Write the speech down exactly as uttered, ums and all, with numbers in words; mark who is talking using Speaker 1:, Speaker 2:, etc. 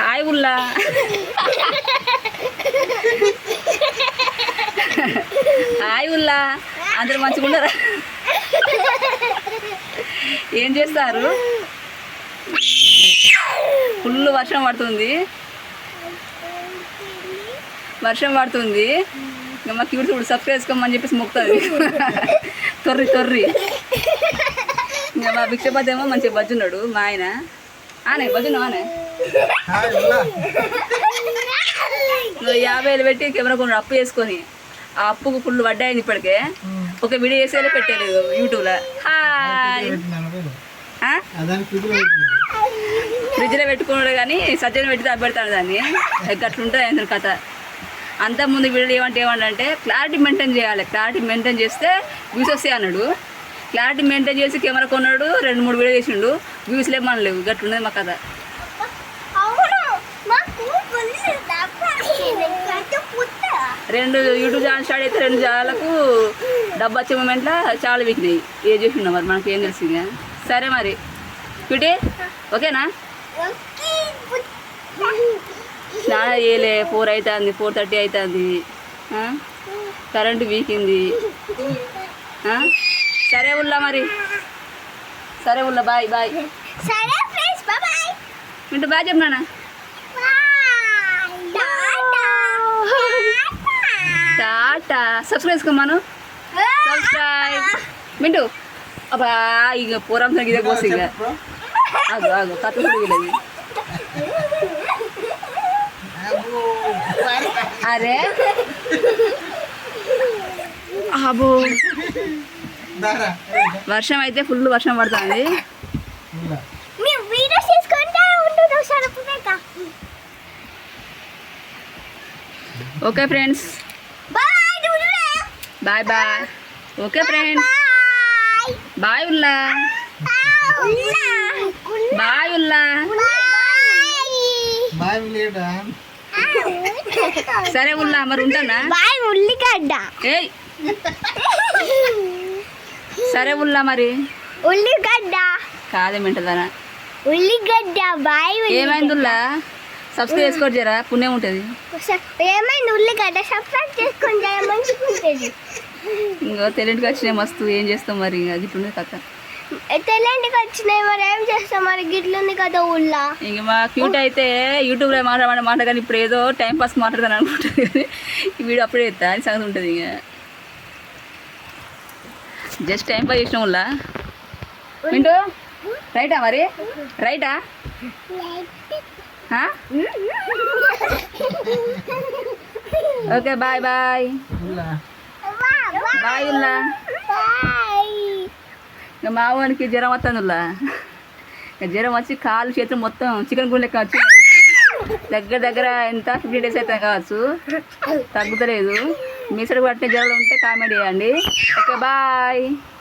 Speaker 1: Hi ఉల్లా. Hi ఉల్లా, అందరు మంచిగా ఉన్నారా? ఏం చేస్తారు? ఫుల్ వర్షం పడుతుంది, వర్షం పడుతుంది. ఇంకా మా క్యూట్ చూడు సబ్స్క్రైబ్ చేసుకోమని చెప్పేసి మొక్కుతుంది. తొర్రి తొర్రి. ఇంకా మా భిక్షపతి ఏమో మంచిగా బజ్జున్నాడు. మా ఆయన ఆనే బజ్జున్నావు ఆనే యాభై వేలు పెట్టి కెమెరా కొన్ని అప్పు చేసుకొని ఆ అప్పుకు ఫుల్ వడ్డాయింది. ఇప్పటికే ఒక వీడియో చేసేదే పెట్టలేదు యూట్యూబ్లో. హాయ్ ఫ్రిడ్జ్లో పెట్టుకున్నాడు కానీ సజ్జన పెట్టి తగ్గబెడతాడు దాన్ని. అట్లుంటుంది ఆయన కథ. అంత ముందు వీడియోలు ఏమంటే ఏమంటే క్లారిటీ మెయింటైన్ చేయాలి, క్లారిటీ మెయింటైన్ చేస్తే వ్యూస్ వస్తాయి అన్నాడు. క్లారిటీ మెయింటైన్ చేసి కెమెరా కొన్నాడు, రెండు మూడు వీడియో చేసిండు, వ్యూస్ లేమనలేవు. గట్లున్నది మా కథ. రెండు యూట్యూబ్ ఛానల్ స్టార్ట్ అయితే రెండు ఛానళ్ళకు డబ్బు వచ్చే మూమెంట్లో చాలా వీక్నాయి. ఏ చూసినా మరి మనకి ఏం తెలిసింది. సరే మరి క్యూటీ ఓకేనా? స్నానం చేయలే, ఫోర్ అవుతుంది, ఫోర్ థర్టీ అవుతుంది, కరెంటు వీకింది. సరే ఉల్లా మరి, సరే ఉల్లా బాయ్ బాయ్. మింటూ బాయ్ చెప్పినా. టాటా. సబ్స్క్రైబ్ చేసుకోమను, సబ్స్క్రైబ్. మింటూ అబ్బా ఇక పూరం తగ్గిదే కోసి ఇక ఆగు ఆగు కథ కూడా. అరే అబో వర్షం అయితే ఫుల్ వర్షం పడుతుంది. Okay friends, bye bye. Okay friends, bye ఉల్లా, బాయ్ ఉల్లా. సరే ఉల్లా మరి ఉంటానా.
Speaker 2: ఉల్లిగడ్డ.
Speaker 1: ఏయ్ సరే ఉల్లా మరి.
Speaker 2: ఉల్లిగడ్డ
Speaker 1: కాదేమింటదనా
Speaker 2: ఉల్లిగడ్డ. బాయ్.
Speaker 1: ఏమైంది ఉల్లా? సబ్స్క్రైబ్ చేసుకోరు జరా, పుణ్యం ఉంటుంది.
Speaker 2: ఏమైంది? ఉల్లిగడ్డ సబ్స్క్రైబ్ చేసుకుంటే మంచిగా ఉంటుంది.
Speaker 1: ఇంకో తెలింటికి వచ్చినాయి మస్తు. ఏం చేస్తాం మరి, ఇంకా గిట్లుంది కథ.
Speaker 2: తెల్లంటికి వచ్చినాయి మరి ఏం చేస్తాం మరి, గిట్లుంది కదా ఉల్లా.
Speaker 1: ఇంక మా క్యూట్ అయితే యూట్యూబ్లో మాట్లాడమంటే మాట కానీ ఇప్పుడు ఏదో టైం పాస్ మాట్లాడతాను అనుకుంటుంది కానీ ఈ వీడియో అప్పుడే ఎత్తా అని సంగతి ఉంటుంది. ఇక జస్ట్ టైం పాస్ చేసిన ఉల్లా. వింటూ రైటా మరి, రైటా? ఓకే బాయ్ బాయ్ బాయ్ ఉల్లా. ఇంకా మా వానికి జ్వరం వస్తుంది ఉల్లా. ఇంకా జ్వరం వచ్చి కాలు చేతులు మొత్తం చికెన్ గుండె లెక్క వచ్చి దగ్గర దగ్గర ఎంత ఫిఫ్టీ డేస్ అయితే కావచ్చు, తగ్గుతలేదు. మీ సైడ్ పట్టిన జ్వరాలు ఉంటే కామెంట్ చేయండి. Okay bye.